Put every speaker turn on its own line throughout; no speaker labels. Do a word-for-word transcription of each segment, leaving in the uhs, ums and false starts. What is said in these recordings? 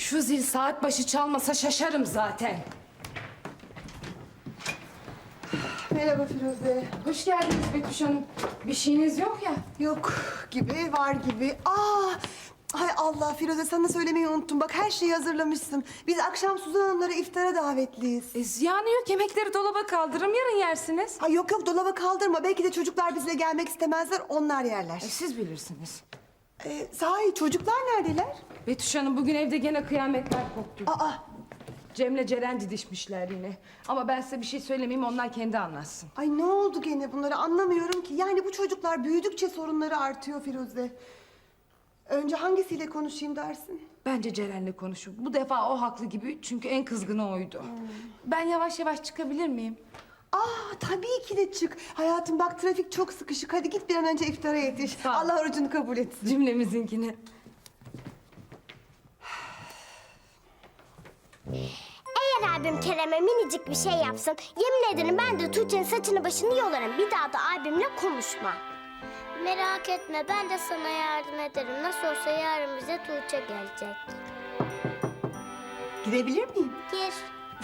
Şu zil saat başı çalmasa şaşarım zaten.
Merhaba Firuze.
Hoş geldiniz Betüş Hanım. Bir şeyiniz yok ya.
Yok gibi, var gibi. Aa, hay Allah Firuze, sana söylemeyi unuttum. Bak, her şeyi hazırlamışsın. Biz akşam Suzan Hanımlara iftara davetliyiz.
E, ziyanı yok. Yemekleri dolaba kaldırırım. Yarın yersiniz.
Ay yok yok, dolaba kaldırma. Belki de çocuklar bizle gelmek istemezler, onlar yerler.
E, siz bilirsiniz.
Ee, sahi çocuklar neredeler?
Betüş Hanım bugün evde gene kıyametler koptu.
Aa,
Cem'le Ceren didişmişler yine. Ama ben size bir şey söylemeyeyim, onlar kendi anlatsın.
ay ne oldu gene bunları, anlamıyorum ki. Yani bu çocuklar büyüdükçe sorunları artıyor Firuze. Önce hangisiyle konuşayım dersin?
Bence Ceren'le konuşun. Bu defa o haklı gibi, çünkü en kızgını oydu. Ben yavaş yavaş çıkabilir miyim?
Aa, tabii ki de çık. Hayatım bak, trafik çok sıkışık. Hadi git bir an önce iftara yetiş.
Sağ ol.
Allah orucunu kabul etsin.
Cümlemizinkini.
Eğer abim Kerem'e minicik bir şey yapsın, yemin ederim ben de Tuğçe'nin saçını başını yolarım. Bir daha da abimle konuşma. Merak etme, ben de sana yardım ederim. Nasıl olsa yarın bize Tuğçe gelecek.
Girebilir miyim?
Gir.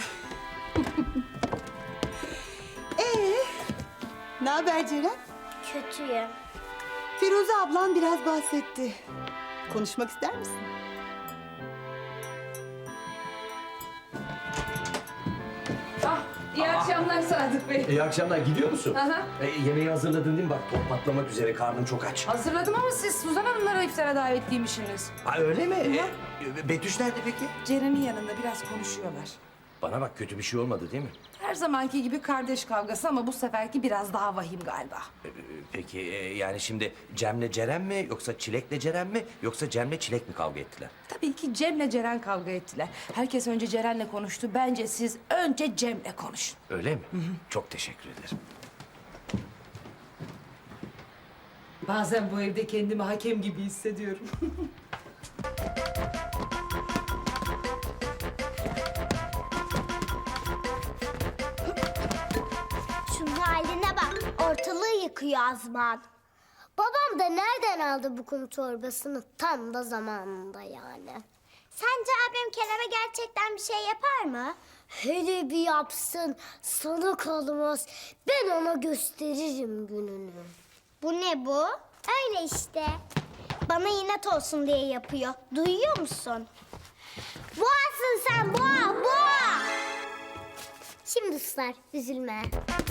Ee, ne haber Ceren?
Kötüyüm.
Firuze ablan biraz bahsetti. Konuşmak ister misin?
Ah, iyi akşamlar Sadık Bey.
İyi akşamlar. Gidiyor musun?
Aha.
E, yemeği hazırladın değil mi? Bak top patlamak üzere. Karnım çok aç.
Hazırladım ama siz Suzan Hanımlara iftara davetliymişsiniz.
Ha, öyle mi? E, Betüş nerede peki?
Ceren'in yanında biraz konuşuyorlar.
Bana bak, kötü bir şey olmadı değil mi?
Her zamanki gibi kardeş kavgası ama bu seferki biraz daha vahim galiba.
E, e, Peki e, yani şimdi Cem'le Ceren mi yoksa Çilek'le Ceren mi yoksa Cem'le Çilek mi kavga ettiler?
Tabii ki Cem'le Ceren kavga ettiler. Herkes önce Ceren'le konuştu. Bence siz önce Cem'le konuşun.
Öyle mi? Çok teşekkür ederim.
Bazen bu evde kendimi hakem gibi hissediyorum.
Şunun haline bak, ortalığı yıkıyor Azman. Babam da nereden aldı bu kum torbasını? Tam da zamanında yani. Sence abim Kerem'e gerçekten bir şey yapar mı? Hele bir yapsın, sana kalmaz. Ben ona gösteririm gününü. Bu ne bu? Öyle işte. Bana inat olsun diye yapıyor. Duyuyor musun? Boğasın sen, boğa, boğa! Şimdi ıslar, üzülme.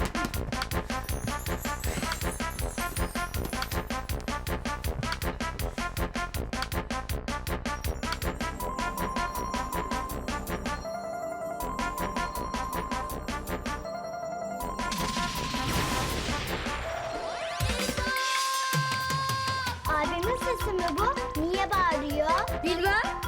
Abimin sesi mi bu? Niye bağırıyor? Bilmem.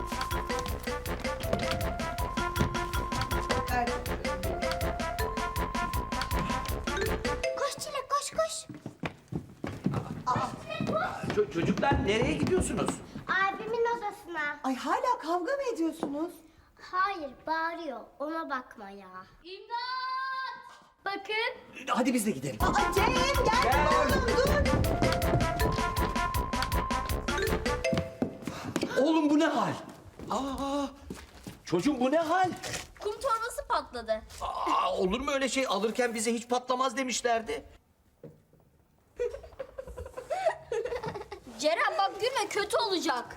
Koş Çilek, koş koş.
Ço- çocuklar nereye gidiyorsunuz?
Abimin odasına.
Ay hala kavga mı ediyorsunuz?
Hayır, bağırıyor. Ona bakma ya. İmdat! Bakın.
Hadi biz de gidelim.
Aa, Cem gel,
Gel.
oğlum dur.
Oğlum bu ne hal? Aa, çocuğum bu ne hal?
Kum torbası patladı.
Aa, olur mu öyle şey? Alırken bize hiç patlamaz demişlerdi.
Ceren bak gülme, kötü olacak.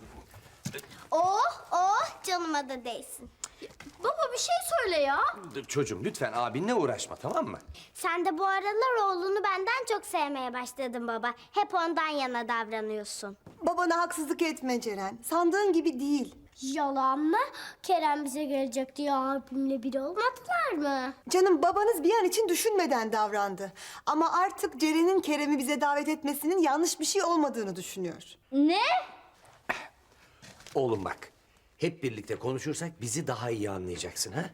Oh, oh canıma da değsin. Baba bir şey söyle ya.
Çocuğum lütfen abinle uğraşma, tamam mı?
Sen de bu aralar oğlunu benden çok sevmeye başladın baba. Hep ondan yana davranıyorsun.
Babana haksızlık etme Ceren. Sandığın gibi değil.
Yalan mı? Kerem bize gelecek diye abimle biri olmadılar mı?
Canım, babanız bir an için düşünmeden davrandı. Ama artık Ceren'in Kerem'i bize davet etmesinin yanlış bir şey olmadığını düşünüyor.
Ne?
Oğlum bak, hep birlikte konuşursak bizi daha iyi anlayacaksın ha?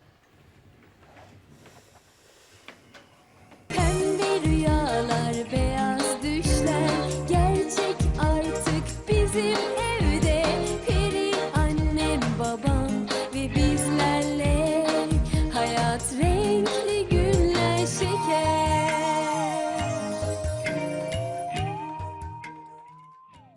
Pembe rüyalar, beyaz düşler gerçek artık bizim